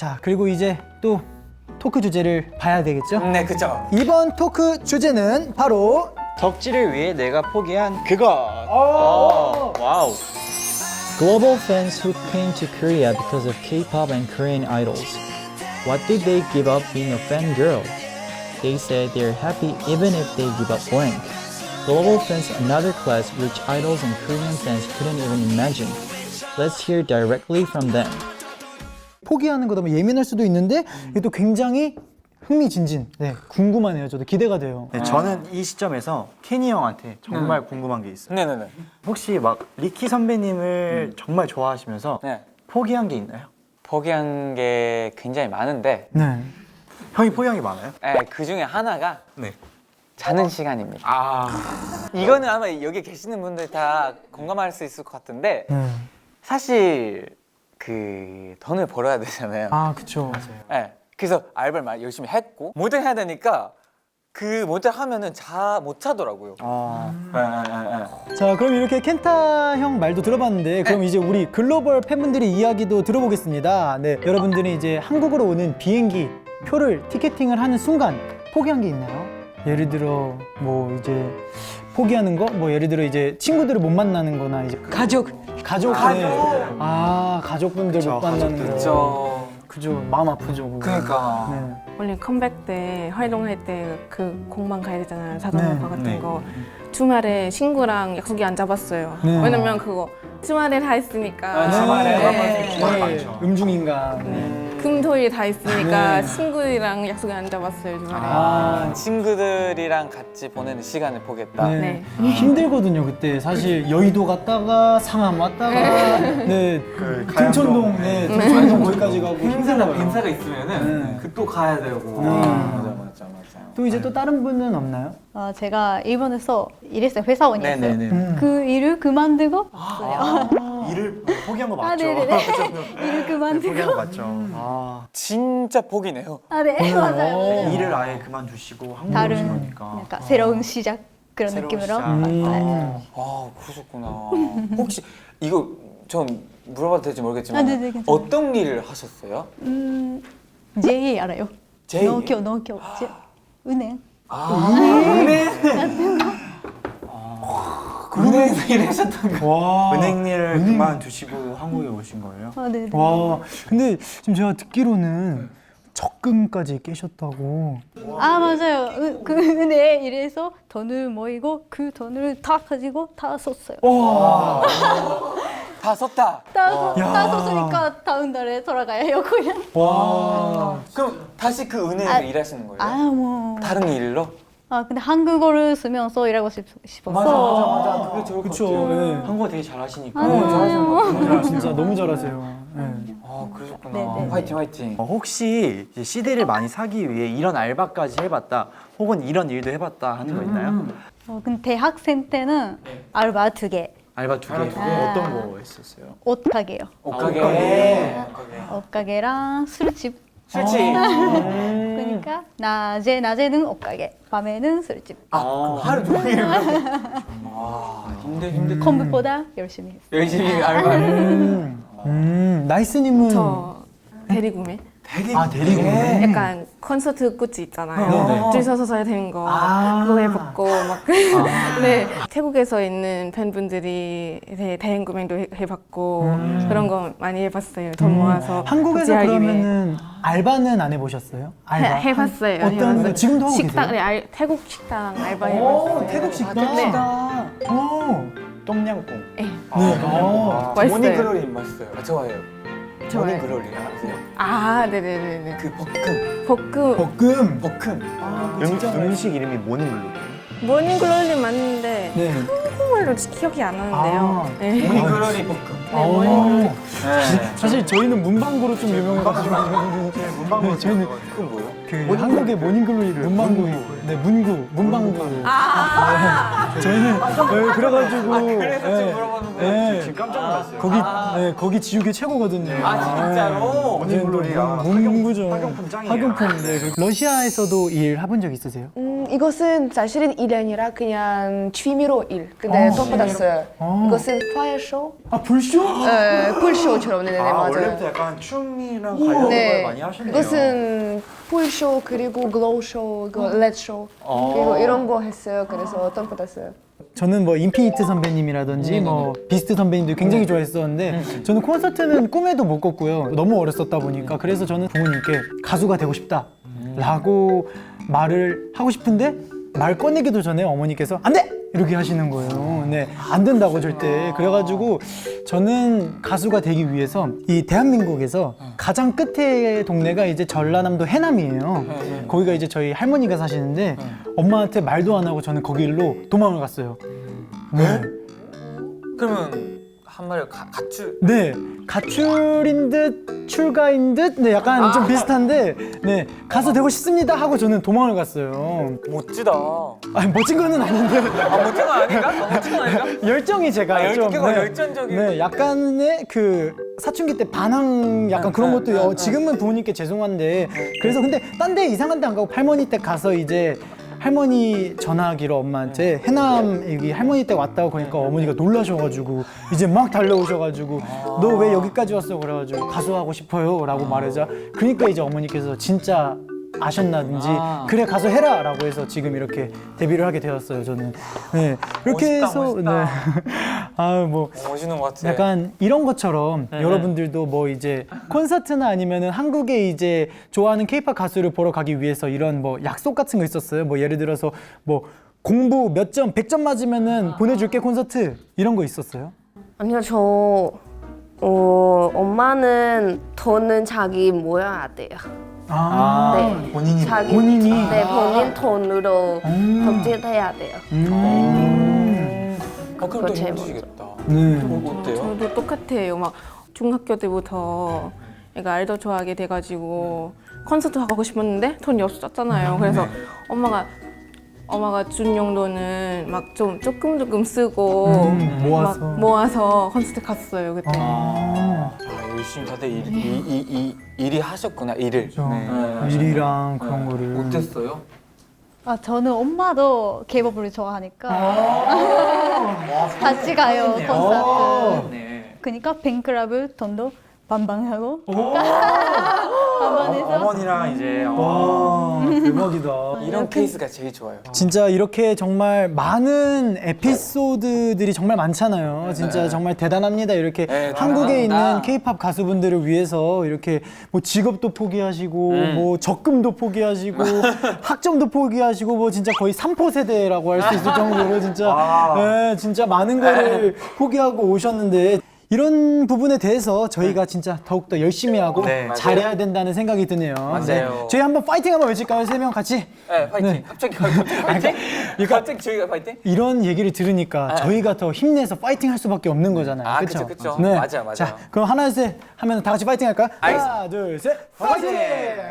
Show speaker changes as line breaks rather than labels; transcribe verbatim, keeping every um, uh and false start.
자, 그리고 이제 또 토크 주제를 봐야 되겠죠?
네, 그쵸.
이번 토크 주제는 바로
덕질을 위해 내가 포기한 그것.
오!
와우.
Global fans who came to Korea because of K-pop and Korean idols. What did they give up being a fangirl? They said they're happy even if they give up blank. Global fans, another class which idols and Korean fans couldn't even imagine. Let's hear directly from them.
포기하는 거다 보면 예민할 수도 있는데 이게 또 굉장히 흥미진진. 네, 궁금하네요. 저도 기대가 돼요.
네, 저는 이 시점에서 케니 형한테 정말 궁금한 게 있어요.
네네네.
혹시 막 리키 선배님을 정말 좋아하시면서
네.
포기한 게 있나요?
포기한 게 굉장히 많은데,
네.
형이 포기한 게 많아요?
네, 그 중에 하나가
네.
자는 시간입니다.
아.
이거는 아마 여기 계시는 분들 다 공감할 수 있을 것 같은데,
네.
사실 그 돈을 벌어야 되잖아요.
아, 그쵸.
네, 그래서 알바를 많이 열심히 했고 모델 해야 되니까 그 모델 하면은 자 못 자더라고요.
아.
네, 네, 네.
자, 그럼 이렇게 켄타 형 말도 들어봤는데 그럼 이제 우리 글로벌 팬분들의 이야기도 들어보겠습니다. 네, 여러분들이 이제 한국으로 오는 비행기 표를 티켓팅을 하는 순간 포기한 게 있나요? 예를 들어 뭐 이제 포기하는 거? 뭐 예를 들어 이제 친구들을 못 만나는 거나 이제 가족! 가족! 네. 아, 가족분들
그쵸,
못 만나는 거.
그렇죠.
그죠. 마음 아프죠. 그거.
그러니까.
네.
원래 컴백 때 활동할 때 그 공방 가야 되잖아요. 자동차 같은
네.
거. 주말에 친구랑 약속이 안 잡았어요.
네.
왜냐면 그거 주말에 다 있으니까.
아, 주말에
네.
주말에
네.
많죠.
음중인가.
네. 금토일 다 있으니까
네.
친구들이랑 약속이 안 잡았어요. 주말에.
아, 친구들이랑 같이 보내는 시간을 보겠다.
네.
네.
힘들거든요. 그때 사실 여의도 갔다가 상암 왔다가 네,
그
등촌동,
가양동.
네, 등촌동 거기까지 가고
행사가
힘들어요.
행사가 있으면은
네.
그 또 가야 되고.
네.
맞아 맞아 맞아.
또 이제 또 다른 분은 없나요?
어, 제가 일본에서 일했어요. 회사원이었어요.
네네네.
음.
그 일을 그만두고 왔어요.
일을 포기한 거
아,
맞죠?
네네네.
그죠?
일을
네,
그만두고.
포기한 거 맞죠? 아.
진짜 복이네요.
아, 네, 맞아요.
어.
일을 아예 그만두시고 한국에 오신
다른
거니까.
약간 새로운 시작 그런
새로운
느낌으로
시작.
왔어요.
아 그러셨구나. 혹시 이거 전 물어봐도 될지 모르겠지만
아, 네네, 괜찮아요.
어떤 일을 하셨어요?
음, 제이 알아요?
제이?
노교, 노교. 제, 은행.
아 은행. 은행에서 일하셨던 거.
와.
은행 일을 그만두시고 한국에 오신 거예요?
아, 네네.
와. 근데 지금 제가 듣기로는 적금까지 깨셨다고.
아, 맞아요. 은- 그 은행에 일해서 돈을 모이고 그 돈을 다 가지고 다 썼어요.
와.
다 썼다.
다, 써-
야.
다 썼으니까 다음 달에 돌아가요, 그냥.
와.
그럼 다시 그 은행에서
아,
일하시는 거예요?
아, 뭐.
다른 일로?
아, 근데 한국어를 쓰면서 일하고 싶, 싶어서.
맞아. 그게 좋을 것
그쵸.
같아요.
네.
한국어 되게 잘하시니까.
아,
어, 잘하시는 것 같아요.
아, 진짜 너무 잘하세요. 네.
아 그러셨구나.
네네.
화이팅 화이팅.
어, 혹시 이제 씨디를 많이 사기 위해 이런 알바까지 해봤다, 혹은 이런 일도 해봤다 하는 거 있나요?
어, 근데 대학생 때는 알바 두 개.
알바 두 개.
알바 두 개.
어떤 거 했었어요?
옷 가게요.
옷가게.
옷가게.
옷가게.
옷 가게랑 술집.
술집.
그러니까 낮에 낮에는 옷 가게, 밤에는 술집.
아, 하루 종일. 아, 힘들 힘들.
컴퓨터보다 열심히 했어요.
열심히 알바를.
음. 음. 나이스님은
저 대리구매.
대리.
아, 대리구매.
약간 콘서트 굿즈 있잖아요.
네네.
줄 서서 사야 되는 거.
아.
그거 해봤고 막. 네. 태국에서 있는 팬분들이 네, 대행 구매도 해- 해봤고 그런 거 많이 해봤어요. 돈 모아서.
음. 한국에서
구제하기 위해.
그러면은 알바는 안 해보셨어요? 알바?
해, 해봤어요.
어떤
해봤어요.
거 지금도 하고
식당,
계세요?
네, 알, 태국 식당 알바
오,
해봤어요.
태국 식당.
네.
오.
똠양꿍.
네.
아,
네.
아,
맛있어요.
모닝 글로리 맛있어요. 아, 좋아해요.
좋아요.
모닝 글로리 아세요?
아, 네네네네.
그 볶음.
볶음.
볶음.
볶음.
아,
음,
진짜
음식 이름이 모닝글로.
모닝글로리 맞는데
네.
한국말로 기억이 안 나는데요.
아.
네.
모닝 글로리 볶음.
오.
네.
사실 저희는 문방구로 좀 유명해가지고
문방구.
네, 저희는
그건 뭐예요?
그 한국의 모닝글로리를 문방구, 네 문구, 문방구.
아,
네, 저희는 네, 그래가지고
아, 그래서 지금
네,
물어보는 거예요?
네,
지금 깜짝 놀랐어요.
거기 네, 거기 지우개 최고거든요.
아, 진짜로?
모닝글로리. 아,
문구죠.
학용품 짱이에요.
학용품. 네. 그리고 러시아에서도 일 해본 적 있으세요?
음,
이것은 사실은 일이 아니라 그냥 취미로 일. 근데 또 받았어요. 이것은 파이어 쇼?
아 불쇼?
네, 풀쇼처럼. 네네,
아,
맞아요.
원래부터 약간 춤이랑 관련된 걸
네,
많이 하셨네요.
이것은 풀쇼 그리고 글로우쇼, 그 렛쇼 그리고 이런 거 했어요. 그래서 돈 받았어요.
저는 뭐 인피니트 선배님이라든지 뭐 비스트 선배님도 굉장히 좋아했었는데 저는 콘서트는 꿈에도 못 꿨고요. 너무 어렸었다 보니까 그래서 저는 부모님께 가수가 되고 싶다라고 말을 하고 싶은데 말 꺼내기도 전에 어머니께서 안 돼! 이렇게 하시는 거예요. 네, 안 된다고 절대. 그래가지고 저는 가수가 되기 위해서 이 대한민국에서 가장 끝에 동네가 이제 전라남도 해남이에요. 거기가 이제 저희 할머니가 사시는데 엄마한테 말도 안 하고 저는 거기로 도망을 갔어요. 네.
그러면 한 마리 가, 가출.
네, 가출인 듯 출가인 듯, 네, 약간 좀 비슷한데, 네, 가수 되고 싶습니다 하고 저는 도망을 갔어요.
멋지다.
아니 멋진 거는 아닌데
아 멋진 거 아닌가? 아, 멋진 거 아닌가?
열정이 제가
아, 열-
좀
그거 열정적인.
네, 약간의 그 사춘기 때 반항 약간 그런
네,
것도
네,
어,
네.
지금은 부모님께 죄송한데 그래서 근데 딴 데 이상한 데 안 가고 할머니 댁 가서 이제 할머니 전화하기로 엄마한테 해남 여기 할머니 댁 왔다고 그러니까 어머니가 놀라셔가지고 이제 막 달려오셔가지고 너 왜 여기까지 왔어 그래가지고 가수하고 싶어요 라고 말하자 그러니까 이제 어머니께서 진짜 아셨나든지
아.
그래 가서 해라 라고 해서 지금 이렇게 데뷔를 하게 되었어요 저는 네 이렇게
멋있다,
해서
멋있다.
아뭐
멋있는 것 같아.
약간 이런 것처럼
네.
여러분들도 뭐 이제 콘서트나 아니면은 한국에 이제 좋아하는 케이팝 가수를 보러 가기 위해서 이런 뭐 약속 같은 거 있었어요 뭐 예를 들어서 뭐 공부 몇 점 백 점 맞으면은 보내줄게 콘서트 이런 거 있었어요?
아니요, 저 어, 엄마는 돈은 자기 모여야 돼요.
아,
네.
본인이
자기
본인이?
네, 본인 돈으로
음.
덕질해야 돼요.
음.
어, 그럼
그거
또
제일
힘드시겠다.
네.
어때요?
저도 똑같아요. 막 중학교 때부터 애가 아이돌 좋아하게 돼가지고 콘서트 가고 싶었는데 돈이 없었잖아요. 그래서 엄마가 엄마가 준 용돈은 막 좀 조금 조금 쓰고
음, 모아서.
막 모아서 콘서트 갔어요 그때.
아,
아, 열심히 다들 일, 이, 이, 이, 일이 하셨구나, 일을.
저
네.
일이랑 그런 거를
어땠어요?
아 저는 엄마도 케이팝을 좋아하니까 같이 가요 콘서트.
네.
그러니까 팬클럽을 돈도 반반하고
어,
반반해서
어머니랑 이제 어,
와 대박이다.
이런 케이스가 제일 좋아요.
진짜 이렇게 정말 많은 에피소드들이 정말 많잖아요. 진짜 정말 대단합니다. 이렇게
네,
한국에
대단합니다.
있는 케이팝 가수분들을 위해서 이렇게 뭐 직업도 포기하시고 뭐 적금도 포기하시고 학점도 포기하시고 뭐 진짜 거의 삼포 세대라고 할 수 있을 정도로 진짜
와.
네, 진짜 많은 거를 포기하고 오셨는데 이런 부분에 대해서 저희가 진짜 더욱더 열심히 하고
네,
잘해야 된다는 생각이 드네요.
맞아요.
저희 한번 파이팅 한번 외칠까요? 세 명 같이?
네, 파이팅.
네.
갑자기, 갑자기 파이팅? 갑자기 저희가 파이팅?
이런 얘기를 들으니까 저희가 더 힘내서 파이팅 할 수밖에 없는 거잖아요.
아,
그쵸?
그쵸, 그쵸. 맞아요, 맞아요.
자, 그럼 하나, 둘, 셋 하면 다 같이 파이팅 할까요?
알겠습니다.
하나, 둘, 셋, 파이팅!